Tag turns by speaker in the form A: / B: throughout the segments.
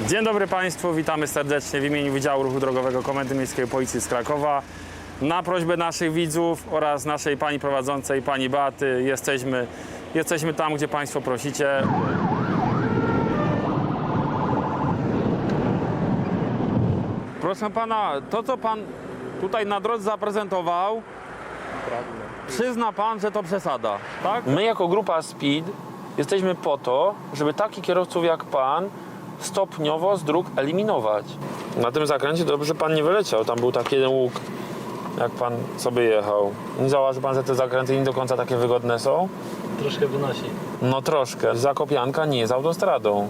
A: Dzień dobry Państwu, witamy serdecznie w imieniu Wydziału Ruchu Drogowego Komendy Miejskiej Policji z Krakowa. Na prośbę naszych widzów oraz naszej pani prowadzącej, pani Beaty, jesteśmy tam, gdzie Państwo prosicie. Proszę Pana, to co Pan tutaj na drodze zaprezentował, przyzna Pan, że to przesada, tak?
B: My jako grupa SPEED jesteśmy po to, żeby takich kierowców jak Pan stopniowo z dróg eliminować. Na tym zakręcie dobrze, że Pan nie wyleciał. Tam był taki jeden łuk, jak Pan sobie jechał. Nie zauważy Pan, że te zakręty nie do końca takie wygodne są?
C: Troszkę wynosi.
B: No troszkę. Zakopianka nie jest autostradą.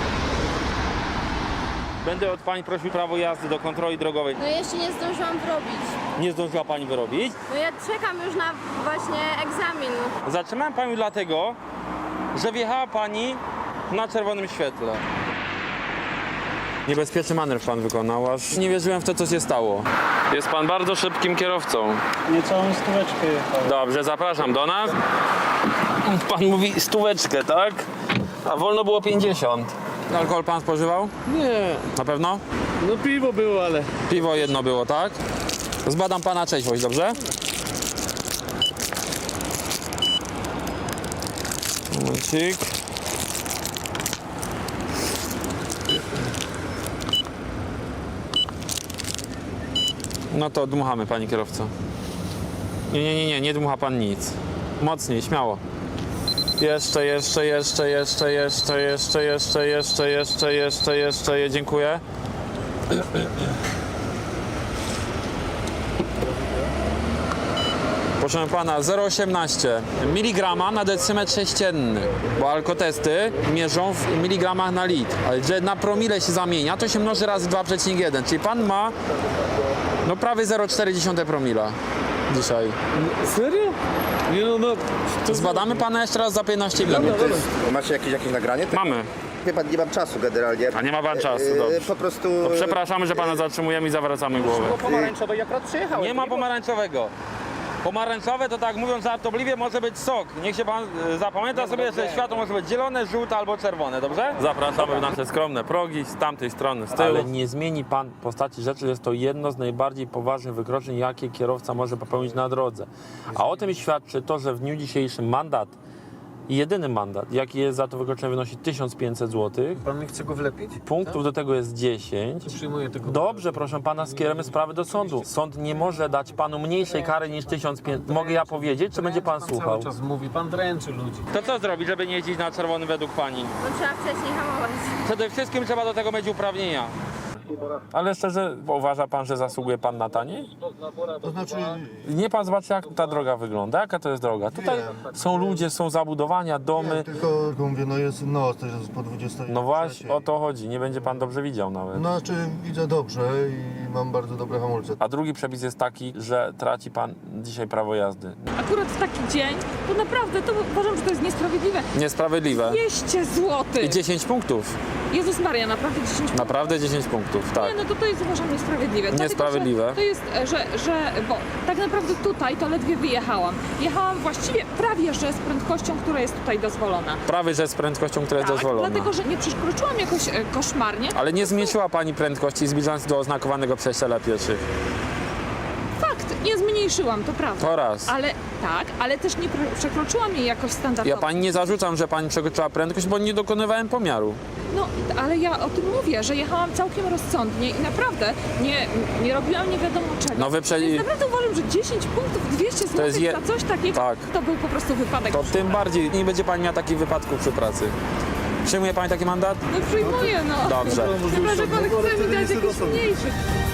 A: Będę od Pani prosił prawo jazdy do kontroli drogowej.
D: No jeszcze nie zdążyłam wyrobić.
A: Nie zdążyła Pani wyrobić?
D: No ja czekam już na właśnie egzamin.
A: Zatrzymałem Panią dlatego, że wjechała Pani na czerwonym świetle. Niebezpieczny manewr Pan wykonał, aż nie wierzyłem w to, co się stało. Jest Pan bardzo szybkim kierowcą.
C: Niecałą stóweczkę jechał.
A: Dobrze, zapraszam do nas. Pan mówi stóweczkę, tak? A wolno było 50. Alkohol Pan spożywał?
C: Nie,
A: Na pewno?
C: no piwo było, ale...
A: Piwo jedno było, tak? Zbadam Pana trzeźwość, dobrze? Momencik. No to dmuchamy, Panie kierowco. Nie dmucha Pan nic. Mocniej, śmiało. Jeszcze, dziękuję. Proszę Pana, 0,18 mg na decymetr sześcienny, bo alkotesty mierzą w miligramach na litr, ale że na promile się zamienia, to się mnoży razy 2,1, czyli Pan ma no prawie 0,4 promila dzisiaj.
C: Serio? Nie no, to...
A: Zbadamy Pana jeszcze raz za 15 minut.
E: Macie jakieś nagranie?
A: Mamy.
E: Wie pan, nie mam czasu generalnie.
A: A nie ma Pan czasu, dobrze.
E: Po prostu...
A: No, przepraszamy, że Pana zatrzymujemy i zawracamy głowę.
C: pomarańczowej akurat przyjechałem.
A: Nie ma pomarańczowego. Pomarańczowe to tak mówiąc żartobliwie może być sok. Niech się Pan zapamięta sobie, że światło może być zielone, żółte albo czerwone, dobrze? Zapraszamy w nasze skromne progi z tamtej strony, z tyłu.
B: Ale nie zmieni Pan postaci rzeczy, jest to jedno z najbardziej poważnych wykroczeń, jakie kierowca może popełnić na drodze. A o tym świadczy to, że w dniu dzisiejszym mandat, jedyny mandat, jaki jest za to wykroczenie, wynosi 1500 zł.
C: Pan mi chce go wlepić?
B: Punktów do tego jest 10.
C: Przyjmuję tego.
B: Dobrze, proszę Pana, skierujemy sprawę do sądu. Sąd nie może dać Panu mniejszej kary niż 1500. Mogę ja powiedzieć, czy będzie Pan słuchał?
C: Cały czas mówi, pan dręczy ludzi.
A: To co zrobić, żeby nie jeździć na czerwonym według Pani?
D: No trzeba wcześniej hamować.
A: Przede wszystkim trzeba do tego mieć uprawnienia.
B: Ale szczerze, uważa Pan, że zasługuje Pan na taniej?
E: To znaczy...
B: Nie Pan zobaczy, jak ta droga wygląda, jaka to jest droga. Tutaj są ludzie, są zabudowania, domy.
F: Tylko mówię, no jest noc, to jest po 20.
B: No właśnie, o to chodzi. Nie będzie Pan dobrze widział nawet.
F: No, znaczy widzę dobrze i mam bardzo dobre hamulce.
B: A drugi przepis jest taki, że traci Pan dzisiaj prawo jazdy.
G: Akurat w taki dzień, to naprawdę, to uważam, że to jest niesprawiedliwe.
A: Niesprawiedliwe.
G: 200 zł.
A: I 10 punktów.
G: Jezus Maria, naprawdę 10 punktów.
A: Naprawdę 10 punktów, tak.
G: Nie, no to jest uważam niesprawiedliwe. Dlatego,
A: Niesprawiedliwe.
G: że to jest, bo tak naprawdę tutaj to ledwie wyjechałam. Jechałam właściwie prawie, że z prędkością, która jest tutaj dozwolona.
A: Prawie, że z prędkością, która jest
G: Tak,
A: dozwolona.
G: dlatego, że nie przekroczyłam jakoś koszmarnie.
A: Ale nie zmniejszyła Pani prędkości zbliżając się do oznakowanego przejścia dla pieszych.
G: Fakt, nie zmniejszyłam, to prawda.
A: To raz.
G: Ale tak, ale też nie przekroczyłam jej jakoś standardowo.
A: Ja Pani nie zarzucam, że Pani przekroczyła prędkość, bo nie dokonywałem pomiaru.
G: No, ale ja o tym mówię, że jechałam całkiem rozsądnie i naprawdę nie robiłam nie wiadomo czego.
A: No
G: Więc naprawdę uważam, że 10 punktów, 200 zł
A: jest
G: za coś takiego,
A: tak.
G: to był po prostu wypadek.
A: To tym bardziej nie będzie Pani miała takich wypadków przy pracy. Przyjmuje Pani taki mandat?
G: No przyjmuję, no.
A: Dobrze.
G: Chyba, że pan chce mi dać jakiś mniejszy.